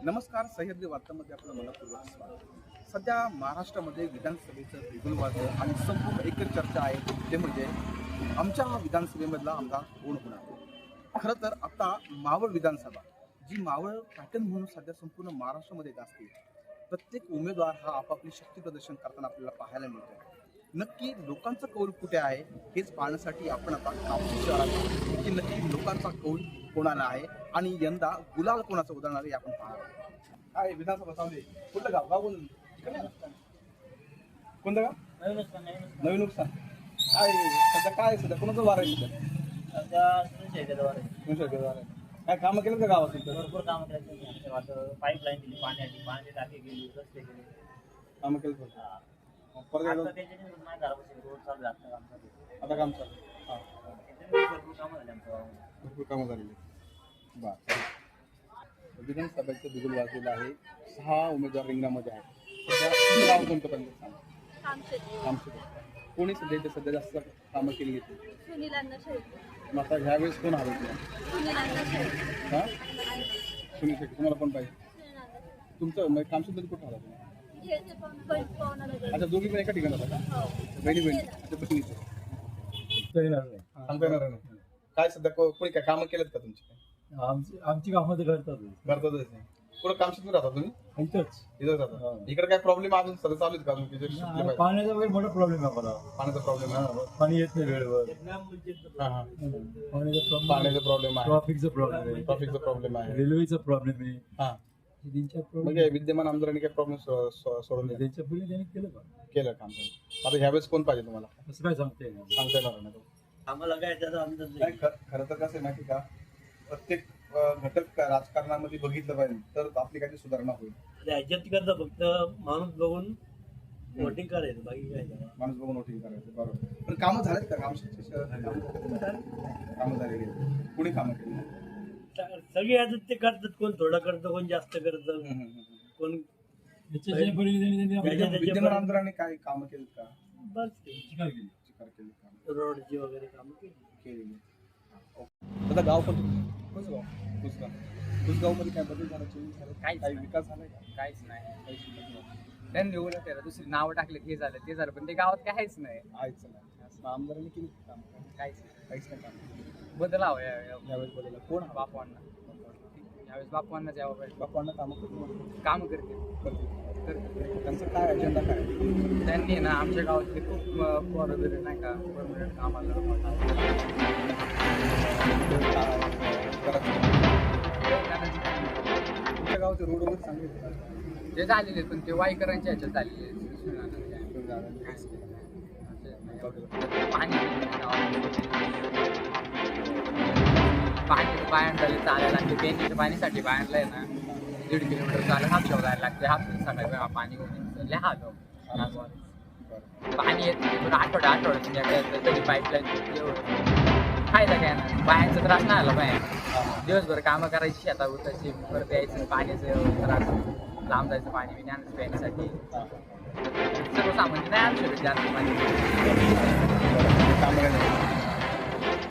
नमस्कार. सह्याद्री वार्तामध्ये आपलं मनपूर्वक स्वागत. सध्या महाराष्ट्रामध्ये विधानसभेचं बिगुल वाजलं आणि संपूर्ण एकच चर्चा आहे ते म्हणजे आमच्या विधानसभेमधला आमदार कोण होणार. खरं तर आता मावळ विधानसभा जी मावळ पॅटर्न म्हणून सध्या संपूर्ण महाराष्ट्रामध्ये असते, प्रत्येक उमेदवार हा आपापली शक्ती प्रदर्शन करताना आपल्याला पाहायला मिळतो. नक्की लोकांचा कौल कुठे आहे हेच पाहण्यासाठी आपण आता कापसी शहरात आहोत की नक्की लोकांचा कौल कोणाला आहे आणि यंदा गुलाल कोणाचं उदाहरण आहे आपण पाहणार आहोत. काय विधानसभा चालू आहे? कुठलं गाव गाव कोणतं गाव? नवीन नुकसान. काय सध्या काय सध्या कोणाचं वार आहे? सध्या काय कामं केलं का गावात? भरपूर कामं करायचं. पाईपलाईन दिली, पाण्याची टाकी गेली, रस्ते गेले. कामं केलं का? परत आता त्याच्याने नाही घरापाशी रोड चालू आहे, आता काम चालू आहे. आता काम चालू. हां, त्याच्याने भरपूर कामं झाली आमच्या गावामध्ये. भरपूर कामं झालेली. बरं. विधानसभेचं बिगुल वाजलेलं आहे. 6 उमेदवार रिंगणामध्ये आहेत. सध्या तुमचं गाव कोणतं पण सांगा. कोणी सध्या जास्त कामं केली घेतली? मग आता ह्यावेळेस कोण हवं हां सुनील शेट्टी. तुम्हाला पण पाहिजे? तुमचं मग कामशेतमध्ये कुठं हवं तुम्ही? अच्छा, दोघी पण एका ठिकाणी होता का? बहिणी आता बहिणीचं सांगता येणार नाही. काय सध्या कोणी काय कामं केलेत का तुमची? आमची कामं करतातच नाही. कुठं कामशेत राहता तुम्ही? इथं राहता. इकडे काय प्रॉब्लेम अजून सध्या चालू आहेत का अजून? पाण्याचा वगैरे मोठा प्रॉब्लेम आहे मला. पाण्याचा प्रॉब्लेम आहे. पाणी येत नाही वेळेवर. पाण्याचा प्रॉब्लेम आहे. ट्रॉफिकचा प्रॉब्लेम आहे. ट्रॉफिकचा प्रॉब्लेम आहे. रेल्वेचा प्रॉब्लेम आहे. हा त्यांच्या म्हणजे विद्यमान आमदारांनी काय प्रॉब्लेम सोडवले? त्यांच्या पूर्वी त्यांनी केलं काम. आता ह्यावेळेस कोण पाहिजे तुम्हाला? असं काय सांगते सांगता येणार नाही. आम्हाला काय त्याचा अंदाज नाही. खरं तर कसं आहे माहिती का, प्रत्येक घटक राजकारणामध्ये बघितलं पाहिजे तर आपली काही सुधारणा होईल. राज्यात करता फक्त माणूस बघून वोटिंग करायचं, बाकी काय नाही. माणूस बघून वोटिंग करायचं. बरोबर. पण कामं झालेत का? कामं झालेली आहेत. कुणी कामं केली? सगळे आता ते करतात, कोण थोडं करतं, कोण जास्त करतं, कोण विद्यमान आमदारांनी काय कामं केलीत का? बस चिकार केली रोडची वगैरे कामं केलेली. आता गाव पण कुसगाव. कुसगाव मध्ये काय बदल झाला? चेंज झाला? काही विकास झालाय का? काहीच नाही. त्यांनी उलट त्याला दुसरी नावं टाकले, हे झालं ते झालं, पण ते गावात काहीच नाही. आहेच नाही. आमदारांनी केली काम? काहीच नाही काम. बदल हवा यावेळेस बदल कोण? बापवांना. यावेळेस बापवांनाच यावं पाहिजे. बापांना कामं काम करते. त्यांचा काय अजेंडा काय? त्यांनी ना आमच्या गावातले खूप पोरं वगैरे नाही का परमनंट कामाला तुमच्या गावाचे रोड वगैरे चांगले आहेत? ते झालेले, पण ते वाईकरांच्या ह्याच्यात झालेले. पाणी बायांड झाले, चालायला लागते. पेनीच्या पाणीसाठी बायांडला आहे ना 1.5 किलोमीटर चालत हापशाव जायला लागते. हापसून सकाळी पाणी घेऊन लय हाल पाणी येत नाही. आठवड्यात तरी पाईपलाईन फायदा काय ना. बायांचा त्रास नाही आला बाहेर. दिवसभर कामं करायची, शेतात उतायची, परत यायचं, पाण्याचं त्रास, लांब जायचं पाणी बिण्याचं प्यायसाठी. सर्वसामान्य नाही आणू शकत जास्त पाणी.